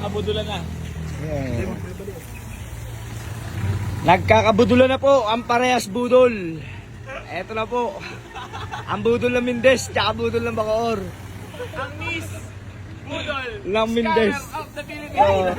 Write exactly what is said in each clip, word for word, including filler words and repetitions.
nagkakabudulan na. Yeah. Nagkakabudulan na po ang parehas budol. Eto na po. Ang budol ng Mindes, tsaka budol ng Bacoor. Ang Miss Budol Ng Mindes. Scholar of the Philippines.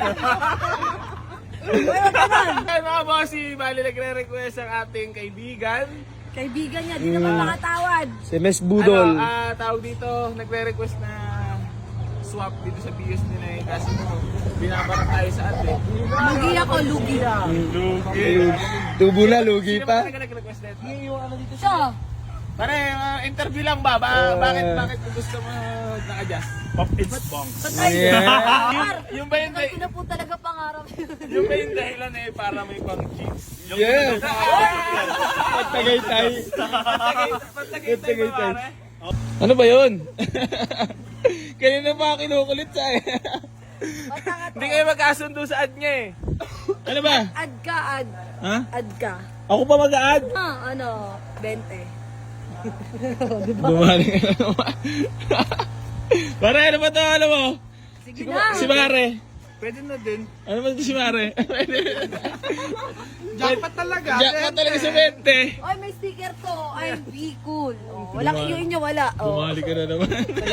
Ay mga bossy, bali nagre-request ang ating kaibigan. Kaibigan niya, di naman makatawad. Si Miss Budol. Ano, ah, tawag dito, nagre-request na swap dito sa bios nila eh. Kasi binabarat tayo sa atin. Lugi ako, lugi. Lugi. Tubo na, lugi Sino ba pa. talaga nag-request nito? Siya. Pare, uh, interview lang ba? ba bakit bakit gusto mo naka-adjust? Pop it's bong. Patay. Yeah. Yung, yung ba yung, Kasi na po talaga pangarap yun. yung ba yung dahilan eh para may pang cheeks? Yung Yeah. Pagtagay-tay. Pagtagay tayo pare. Ano ba yun? Kanina pa ako kinukulit sa eh. Hindi kayo magkasundo sa ad niya eh. Ano ba? Ad ka, ad. Ha? Ad ka. Ako pa mag-a-add? Ah, ano, twenty. Bumalik ka na naman. Pare, ano ba ito? Alam mo? Sige na. Si Mare. Pwede na din. Ano ba ito si Mare? Jackpot talaga. Jackpot talaga sa twenty. Oy, may sticker to. I'm be cool. Oh, walang iyo inyo, wala. Oh. Bumalik ka na naman.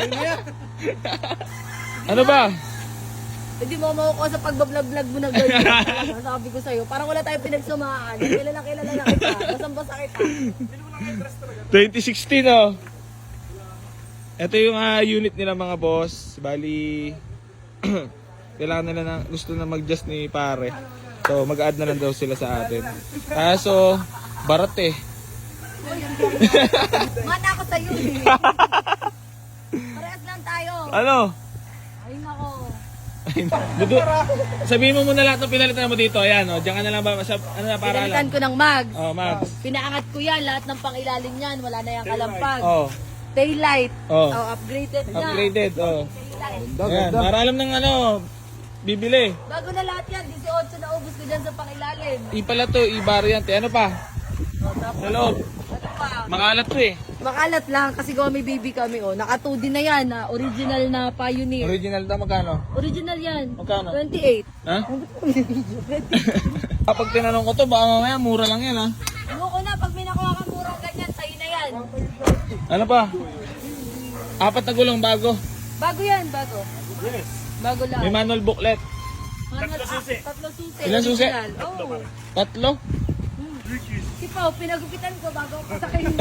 Ano ba? Hindi mo makukuha sa pagbablog-vlog mo na ganyan. Sabi ko sa'yo, parang wala tayong pinagsumaan. Kilala kilala na kita. Basang-basa kita. twenty sixteen oh. Ito yung ah, unit nila mga boss. Bali, kailangan nila na, gusto na mag-adjust ni pare. So mag-add na lang daw sila sa atin. Kaso, barat eh. Mana ako sa'yo eh. Parehas lang tayo. Ano? Ay nako. Dudu, sabihin mo muna lahat ng pinalitan mo dito. Ayan, oh, diyan ka na lang ba? Sa, ano na, para Pinalitan lang. ko ng mag. Oh, Max. Pinaangat ko yan, lahat ng pangilalim niyan. Wala na yung kalampag. Oh, Taillight. Oh. Oh, upgraded na. upgraded. Oh. Taillight. Ayan, para alam ng ano, bibili. Bago na lahat yan, eighteen na ubos ko dyan sa pangilalim. Ipala to, i-variante. Ano pa? Sa loob. Ano pa? Makalat to eh. Makalat lang kasi gawa may baby kami oh. Naka two D na yan, na original na Pioneer. Original na magkano? Original yan. Magkano? twenty-eight. Ha? Kapag tinanong ko to, baka mamaya mura lang yan ha. Ayoko na, pag may nakuha kang murang ganyan, sa'yo na yan. Ano pa? Apat na gulong bago. Bago yan, bago. Yes. Bago lang. May manual booklet. Manual- Tatlo susi. ah, Tatlo susi. Ilan susi? original. Oo. Tatlo? Si Pao, pinagupitan ko bago ako sakayin.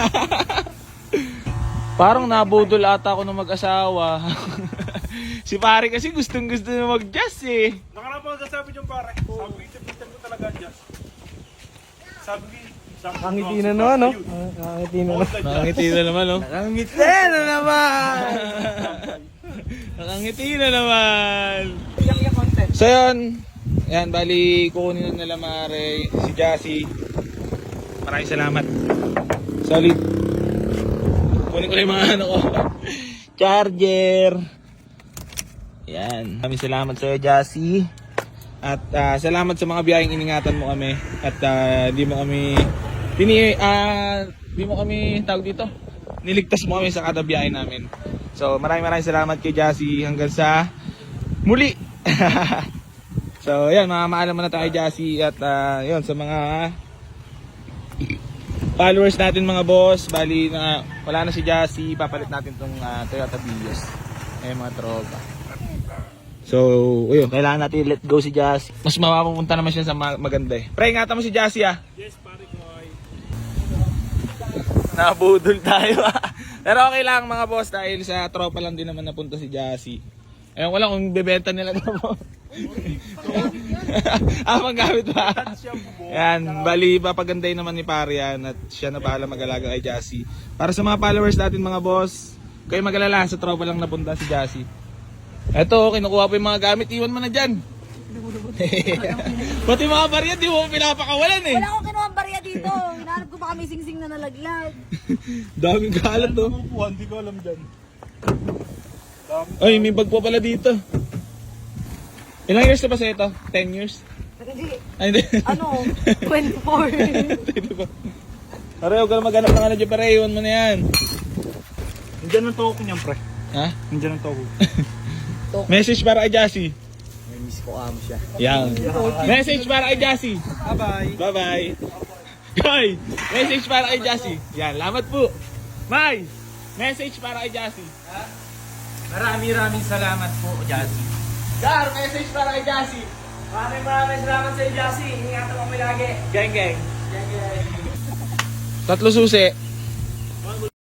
Parang nabudol ata ako ng mag-asawa. Si pare kasi gustong gusto na mag-jazz eh. Nakarapang sasabi yung pare. Sabi ko, itipitan ko talaga dyan. Sabi ko, Nakangiti na naman, no? Nakangiti na naman. Nakangiti na naman, no? Nakangiti na naman! Nakangiti na naman! So yun, yan, bali, kukunin na nila Mare, si Jassy. Maraming salamat. Solid. Kunin ko lang yung mga ano ko. Charger. Yan. Maraming salamat sa iyo, Jassy. At ah, salamat sa mga biyayang iningatan mo kami. At ah, di mo kami Tini, ah, di mo kami tawag dito. Niligtas mo kami sa kada biyahe namin. So, maraming maraming salamat kay Jassy hanggang sa muli. So, yan, mamaalam na tayo Jassy at uh, yun, sa mga followers natin mga boss. Bali na wala na si Jassy, papalit natin tong uh, Toyota Vios. Ayun mga tropa. So, ayun, kailangan natin let go si Jassy. Mas mapapunta naman siya sa ma- maganda eh. Pre, ingatan mo si Jassy ah. yes, pare ko. Nabudol tayo. Pero okay lang mga boss dahil sa tropa lang din naman napunta si Jassy. Ayun ko lang kung bebenta nila ito mo. Ah, maggamit ba? Yan, bali papaganday naman ni pare yan at siya na bahala mag-alaga kay Jassy. Para sa mga followers natin mga boss, kayo mag-alala, sa tropa lang napunta si Jassy. Eto, kinukuha pa yung mga gamit, iwan mo na dyan. Pati mga barya, di mo pinapakawalan eh. Wala akong kinuha ang barya dito. Hinahanap ko baka may singsing na nalaglag. Daming kalat to. Hindi ko alam dyan. Ay, may bag pa pala dito. Ilang years na ba sa ito? ten years? Hindi. Ay, hindi. Ano? twenty-four. Pare, huwag ka na maghanap ng ano dyan, pare. Iwan mo na yan. Nandiyan ang toko niyan, pre. Ha? Nandiyan ang toko. Message para kay Jassy. Miss ko amo siya. Yan. Message para kay Jassy. Bye-bye. Bye-bye. Guy, message para kay Jassy. Yan, lamat po. May, message para kay Jassy. Maraming-maraming salamat po, Jassy. Gar, message para kay Jassy. Maraming maraming salamat sa iyo, Jassy. Ingatan mo kami lagi. Gang, gang. Gang, gang. Tatlo susi.